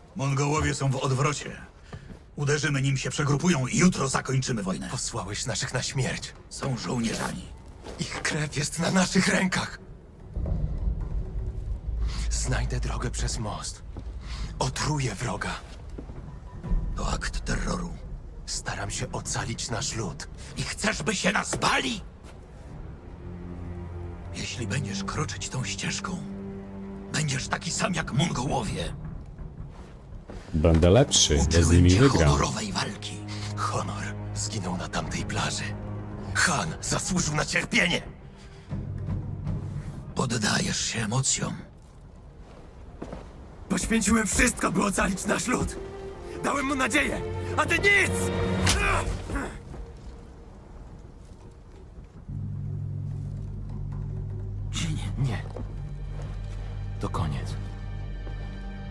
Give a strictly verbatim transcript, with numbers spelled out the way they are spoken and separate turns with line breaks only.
Mongołowie są w odwrocie. Uderzymy, nim się przegrupują i jutro zakończymy wojnę.
Posłałeś naszych na śmierć.
Są żołnierzami.
Ich krew jest na naszych rękach. Znajdę drogę przez most. Otruję wroga.
To akt terroru.
Staram się ocalić nasz lud.
I chcesz, by się nas bali? Jeśli będziesz kroczyć tą ścieżką, będziesz taki sam jak Mongołowie.
Będę lepszy, bo z
Uczyłem
nimi
cię
wygram.
honorowej walki.
Honor zginął na tamtej plaży. Han zasłużył na cierpienie.
Poddajesz się emocjom.
Poświęciłem wszystko, by ocalić nasz lud. Dałem mu nadzieję, a ty nic!